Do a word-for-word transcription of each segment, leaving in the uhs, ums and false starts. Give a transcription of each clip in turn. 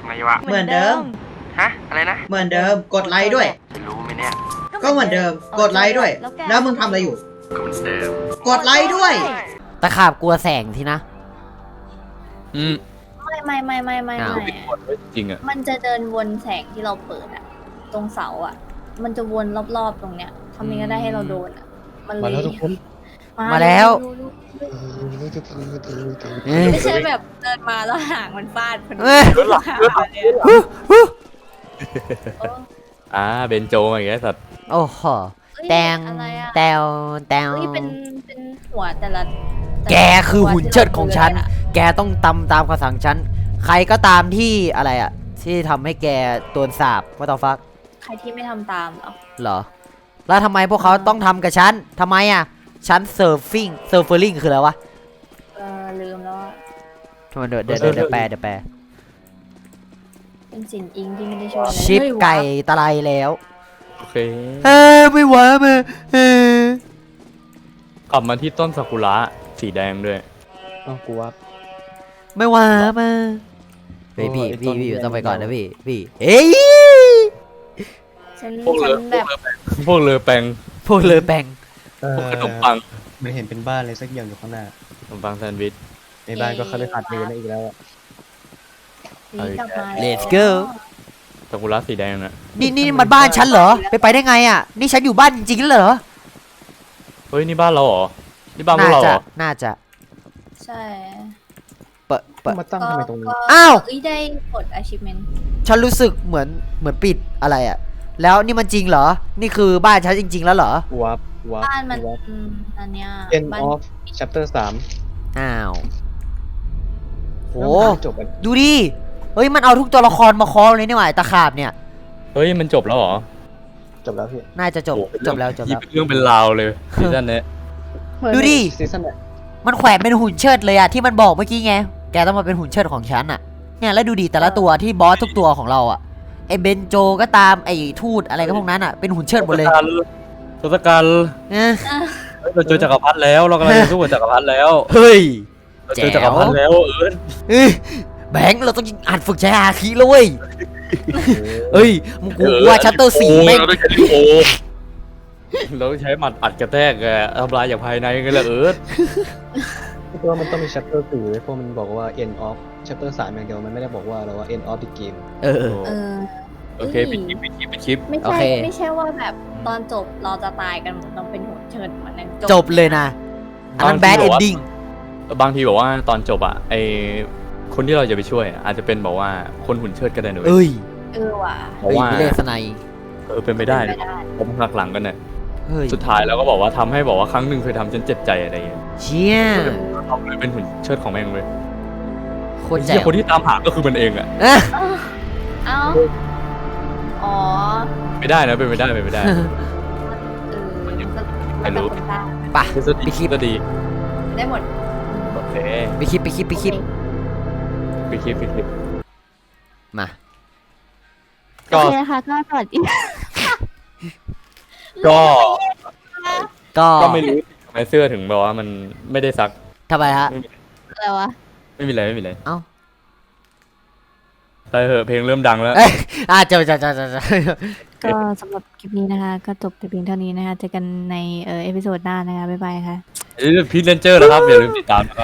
ไงวะเหมือนเดิมฮะอะไรนะเหมือนเดิมกดไลค์ด้วยรู้ไหมเนี่ยก็เหมือนเดิมกดไลค์ด้วย แล้วมึงทำอะไรอยู่ก็เหมือนเดิมกดไลค์ด้วยตะขาบกลัวแสงทีนะอืมไม่ไม่ไม่ไม่ไม่ไม่จริงอ่ะมันจะเดินวนแสงที่เราเปิดอะตรงเสาอะมันจะวนรอบๆตรงเนี้ยทำยังไงได้ให้เราโดนอะมันเลยมาแล้วทุกคนมาแล้วไม่ใช่แบบเดินมาแล้วหางมันฟาดคนอ่าเบนโจมาอย่างเงี้ยสัตว์โอ้โหแตงแตวแตวเป็นเป็นหัวแต่ละแกคือหุ่นเชิดของฉันแกต้องตำตามคำสั่งฉันใครก็ตามที่อะไรอะที่ทำให้แกโดนสาบว่าต่อฟักใครที่ไม่ทำตามเหรอเหรอแล้วทำไมพวกเขาต้องทำกับฉันทำไมอะฉันเซิร์ฟฟิ้งเซิร์ฟเฟอร์ลิงคืออะไรวะเออลืมแล้วทำไมเดี๋ยวเดี๋ยวเดี๋ยวแปลเดี๋ยวแปลเป็นสินอิงที่ไม่ได้ช่วยชิปไก่ตะไลแล้วโอเคเฮ้ยไม่ไหวมาเฮ้ยกลับมาที่ต้นซากุระสีแดงด้วยต้องกลัวไม่ไหวมาเฮ้ยพี่พี่พี่ต้องไปก่อนนะพี่พี่เฮ้ยฉันฉันแบบพวกเรือแปงพวกเรือแปงพวกขนมปังมันเห็นเป็นบ้านอะไรสักอย่างอยู่ข้างหน้าขนมปังแซนด์วิชในบ้านก็เขาเลยขาดเงินอีกแล้ว Let's go ซากุระสีแดงน่ะนี่นี่มันบ้านฉันเหรอไปไปได้ไงอ่ะนี่ฉันอยู่บ้านจริงๆเหรอเฮ้ยนี่บ้านเราเหรอนี่บ้านพวกเราเหรอน่าจะใช่เปิดเปิดมาตั้งทำไมตรงนี้อ้าวได้กด achievement ฉันรู้สึกเหมือนเหมือนปิดอะไรอ่ะแล้วนี่มันจริงเหรอนี่คือบ้านฉันจริงๆแล้วเหรอวับวับบ้านมันอันเนี้ย End of chapter สามอ้าวโหจบกันดูดิเฮ้ยมันเอาทุกตัวละครมาคอเลยนี่หว่าตะขาบเนี่ยเฮ้ยมันจบแล้วเหรอจบแล้วพี่น่าจะจบจบแล้วจบแล้วเรื่องเป็นราวเลยซีซั่นนี้ดูดิมันแขวนเป็นหุ่นเชิดเลยอะที่มันบอกเมื่อกี้ไงแกต้องมาเป็นหุ่นเชิดของฉันอะเนี่ยแล้วดูดิแต่ละตัวที่บอสทุกตัวของเราอะไอเบนโจก็ตามไอทูตอะไรก็พวกนั้นอะเป็นหุ่นเชิดหมดเลยทศกัณฐ์เนี่ยเราเจอจักรพรรดิแล้วเรากำลังจะสู้กับจักรพรรดิแล้วเฮ้ยเจอจักรพรรดิแล้วเออแบงค์เราต้องอ่านฝึกใช้อาคีเลยเว้ยเอ้ยมึงกูว่าชัตเตอร์สี่แม่งเราต้องใช้โอเราต้องใช้หมัดอัดกระแทกทำลายอย่างภายในกันเลยเออเพราะว่ามันต้องมี chapter สี่เพราะมันบอกว่า end of chapter สามอย่างเดียวมันไม่ได้บอกว่าเราว่า end of the game เออโอเคปิดคลิปปิดคลิปปิดคลิปไม่ใช่ไม่ใช่ว่าแบบตอนจบเราจะตายกันต้องเป็นหัวเชิดเหมือนนั้นจบเลยนะอันนั้น bad ending บางทีบอกว่าตอนจบอะไอคนที่เราจะไปช่วยอาจจะเป็นบอกว่าคนหุ่นเชิดก็ได้หนูเอ้ยเออว่ะบอกว่าเลสไนเออเป็นไปได้ผมหักหลังกันเนี่ยสุดท้ายแล้วก็บอกว่าทำให้บอกว่าครั้งหนึ่งเคยทำจนเจ็บใจอะไรอย่างเงี้ยเชี่ยเขาเลยเป็นหุ่นเชิดของแม่งเลยคนแจ๋วคนที่ตามหาก็คือมันเองอะเอ้าอ๋อไม่ได้นะเป็นไม่ได้เป็นไม่ได้ไม่รู้ป่ะไปคลิปก็ดีได้หมดโอเคไปคลิปไปคลิปไปคลิปไปคลิปไปคลิปมาโอเคค่ะก็สวัสดีก็ก็ก็ไม่รู้ทำไมเสื้อถึงแบบว่ามันไม่ได้ซักทำไมฮะอะไรวะไม่มีอะไรไม่มีอะไรเอ้าไปเหอะเพลงเริ่มดังแล้วอ่ะเจ้าเจ้าเจ้าเจ้าก็สำหรับคลิปนี้นะคะก็จบแต่เพียงเท่านี้นะคะเจอกันในเออเอพิโซดหน้านะคะบ๊ายบายค่ะพีทเลนเจอร์นะครับอย่าลืมติดตามนะครับ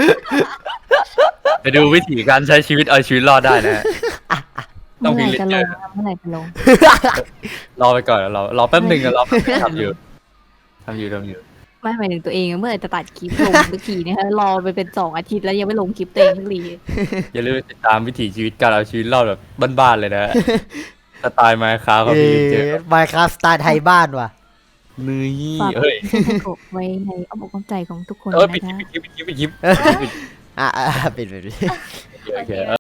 ไปดูวิธีการใช้ชีวิตเอาชีวิตรอดได้นะต้องพีทเลนเจอร์เมื่อไหร่จะลงรอไปก่อนรอรอแป๊บหนึ่งเราทำอยู่ทำอยู่ทำอยู่ไม่หมายถึงตัวเองเมื่อไหร่จะตัดคลิปลงสักทีนะคะรอไปเป็นสองอาทิตย์แล้วยังไม่ลงคลิปตัวเองสักทีอย่าลืมติดตามวิถีชีวิตการเอาชีวิตรอดแบบบ้านๆเลยนะสไตล์ไมค์คราฟเขาพีเจอไมค์คราฟสไตล์ไทยบ้านว่ะนี่เฮ้ยไว้ในอ้อมอกอ้อมใจของทุกคนนะคะเออปิดคลิปปิดคลิปปิดคลิปอ่ะปิดปิดโอเค